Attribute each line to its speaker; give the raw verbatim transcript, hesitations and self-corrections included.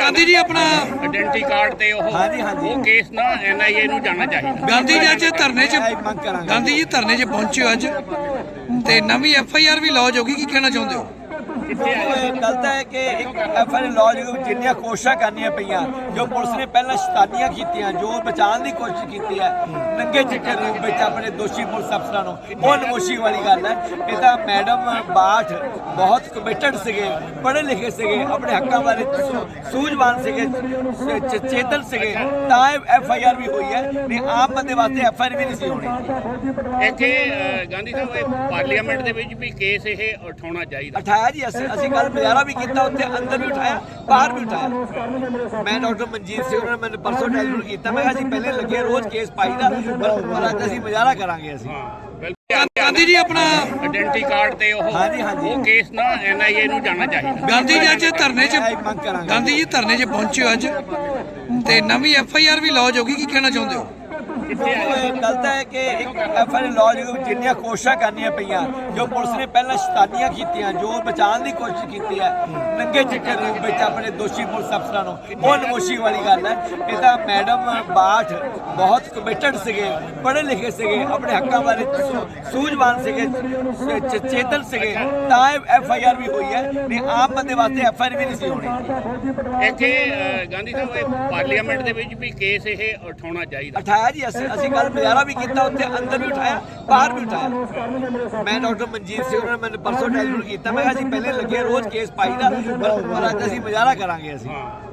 Speaker 1: ਗਾਂਧੀ ਜੀ ਆਪਣਾ
Speaker 2: ਆਇਡੈਂਟੀ ਕਾਰਡ ਤੇ ਉਹ
Speaker 3: ਹਾਂਜੀ, ਹਾਂਜੀ।
Speaker 2: ਉਹ ਕੇਸ ਨਾ ਐਨ ਆਈ ਏ ਨੂੰ ਜਾਣਾ ਚਾਹੀਦਾ।
Speaker 1: ਗਾਂਧੀ ਜੀ ਅੱਜ ਧਰਨੇ 'ਚ
Speaker 3: ਇਹ ਮੰਗ ਕਰਾਂਗੇ।
Speaker 1: ਗਾਂਧੀ ਜੀ ਧਰਨੇ 'ਚ ਪਹੁੰਚੇ ਹੋ ਅੱਜ ਤੇ ਨਵੀਂ ਐਫ ਆਈ ਆਰ ਵੀ ਲੌਜ ਹੋ ਗਈ, ਕੀ ਕਹਿਣਾ ਚਾਹੁੰਦੇ ਹੋ?
Speaker 3: ਇਹ ਗਲਤ ਹੈ ਕਿ ਇੱਕ ਐਫ ਆਈ ਆਰ ਲੌਜ ਜਿੰਨੀਆਂ ਕੋਸ਼ਿਸ਼ਾਂ ਕਰਨੀਆਂ ਪਈਆਂ, ਜੋ ਪੁਲਿਸ ਨੇ ਪਹਿਲਾਂ ਸ਼ੈਤਾਨੀਆਂ ਕੀਤੀਆਂ, ਜੋ ਬਚਾਉਣ ਦੀ ਕੋਸ਼ਿਸ਼ ਕੀਤੀ ਹੈ ਨੰਗੇ ਚਿੱਟੇ ਰੂਪ ਵਿੱਚ ਆਪਣੇ ਦੋਸ਼ੀ ਪੁਲਿਸ ਅਫਸਰਾਂ ਨੂੰ, ਉਹ ਨਮੋਸ਼ੀ ਵਾਲੀ ਗੱਲ ਹੈ। ਇਹ ਤਾਂ ਮੈਡਮ ਬਾਠ ਬਹੁਤ ਕਮਿਟਡ ਸੀਗੇ, ਪੜ੍ਹੇ ਲਿਖੇ ਸੀਗੇ, ਆਪਣੇ ਹੱਕਾਂ ਬਾਰੇ ਸੂ- ਸੂਝਵਾਨ ਸੀਗੇ, ਚ- ਚੇਤਨ ਸੀਗੇ, ਤਾਂ ਇਹ ਐਫ ਆਈ ਆਰ ਵੀ ਹੋਈ ਹੈ। ਨਹੀਂ ਆਮ ਬੰਦੇ ਵਾਸਤੇ ਐਫ ਆਈ ਆਰ ਵੀ ਨਹੀਂ ਸੀ ਹੋਣੀ।
Speaker 2: ਇੱਥੇ ਅ, ਗਾਂਧੀ ਸਾਹਿਬ ਇਹ ਪਾਰਲੀਮੈਂਟ ਦੇ ਵਿੱਚ ਵੀ ਕੇਸ ਇਹ ਉਠਾਉਣਾ ਚਾਹੀਦਾ।
Speaker 3: ਉਠਾਇਆ ਜੀ, ਅਸੀਂ ਅਸੀਂ ਕੱਲ ਮੁਜ਼ਾਹਰਾ ਵੀ ਕੀਤਾ, ਉੱਥੇ ਅੰਦਰ ਵੀ ਉਠਾਇਆ, ਬਾਹਰ ਵੀ ਉਠਾਇਆ। ਮੈਂ ਡਾਕਟਰ ਮਨਜੀਤ ਸਿੰਘ ਉਹਨਾਂ ਨੇ ਮੈਨੂੰ ਪਰਸੋਂ ਟੈਲੀਫੋਨ ਕੀਤਾ, ਮੈਂ ਕਿਹਾ ਅਸੀਂ ਪਹਿਲੇ ਲੱਗੇ ਰੋਜ਼ ਕੇਸ ਪਾਈਦਾ, ਪਰ ਪਰ ਅੱਜ ਅਸੀਂ ਮੁਜ਼ਾਹਰਾ ਕਰਾਂਗੇ ਅਸੀਂ।
Speaker 1: ਗਾਂਧੀ ਜੀ ਆਪਣਾ
Speaker 2: ਆਇਡੈਂਟੀ ਕਾਰਡ ਤੇ ਉਹ
Speaker 3: ਹਾਂਜੀ, ਹਾਂਜੀ।
Speaker 2: ਉਹ ਕੇਸ ਨਾ ਐਨ ਆਈ ਏ ਨੂੰ ਜਾਣਾ ਚਾਹੀਦਾ।
Speaker 1: ਗਾਂਧੀ ਜੀ ਅੱਜ ਧਰਨੇ 'ਚ
Speaker 3: ਇਹ ਮੰਗ ਕਰਾਂਗੇ।
Speaker 1: ਗਾਂਧੀ ਜੀ ਧਰਨੇ 'ਚ ਪਹੁੰਚੇ ਹੋ ਅੱਜ ਤੇ ਨਵੀਂ ਐਫ ਆਈ ਆਰ ਵੀ ਲੌਜ ਹੋ ਗਈ, ਕੀ ਕਹਿਣਾ ਚਾਹੁੰਦੇ ਹੋ?
Speaker 3: ਇਹ ਗਲਤ ਹੈ ਕਿ ਇੱਕ ਐਫ ਆਈ ਆਰ ਲੌਜ ਜਿੰਨੀਆਂ ਕੋਸ਼ਿਸ਼ਾਂ ਕਰਨੀਆਂ ਪਈਆਂ, ਜੋ ਪੁਲਿਸ ਨੇ ਪਹਿਲਾਂ ਸ਼ੈਤਾਨੀਆਂ ਕੀਤੀਆਂ, ਜੋ ਬਚਾਉਣ ਦੀ ਕੋਸ਼ਿਸ਼ ਕੀਤੀ ਹੈ ਨੰਗੇ ਚਿੱਟੇ ਰੂਪ ਵਿੱਚ ਆਪਣੇ ਦੋਸ਼ੀ ਪੁਲਿਸ ਅਫਸਰਾਂ ਨੂੰ, ਉਹ ਨਮੋਸ਼ੀ ਵਾਲੀ ਗੱਲ ਹੈ। ਇਹ ਤਾਂ ਮੈਡਮ ਬਾਠ ਬਹੁਤ ਕਮਿਟਡ ਸੀਗੇ, ਪੜ੍ਹੇ ਲਿਖੇ ਸੀਗੇ, ਆਪਣੇ ਹੱਕਾਂ ਬਾਰੇ ਸੂ- ਸੂਝਵਾਨ ਸੀਗੇ, ਚ- ਚੇਤਨ ਸੀਗੇ, ਤਾਂ ਇਹ ਐਫ ਆਈ ਆਰ ਵੀ ਹੋਈ ਹੈ। ਨਹੀਂ ਆਮ ਬੰਦੇ ਵਾਸਤੇ ਐਫ ਆਈ ਆਰ ਵੀ ਨਹੀਂ ਸੀ ਹੋਣੀ।
Speaker 2: ਇੱਥੇ ਅ, ਗਾਂਧੀ ਸਾਹਿਬ ਇਹ ਪਾਰਲੀਮੈਂਟ ਦੇ ਵਿੱਚ ਵੀ ਕੇਸ ਇਹ ਉਠਾਉਣਾ ਚਾਹੀਦਾ।
Speaker 3: ਉਠਾਇਆ ਜੀ, ਅਸੀਂ ਅਸੀਂ ਕੱਲ ਮੁਜ਼ਾਹਰਾ ਵੀ ਕੀਤਾ, ਉੱਥੇ ਅੰਦਰ ਵੀ ਉਠਾਇਆ, ਬਾਹਰ ਵੀ ਉਠਾਇਆ। ਮੈਂ ਡਾਕਟਰ ਮਨਜੀਤ ਸਿੰਘ ਉਹਨਾਂ ਨੇ ਮੈਨੂੰ ਪਰਸੋਂ ਟੈਲੀਫੋਨ ਕੀਤਾ, ਮੈਂ ਕਿਹਾ ਅਸੀਂ ਪਹਿਲੇ ਲੱਗੇ ਰੋਜ਼ ਕੇਸ ਪਾਈਦਾ, ਪਰ ਪਰ ਅੱਜ ਅਸੀਂ ਮੁਜ਼ਾਹਰਾ ਕਰਾਂਗੇ ਅਸੀਂ।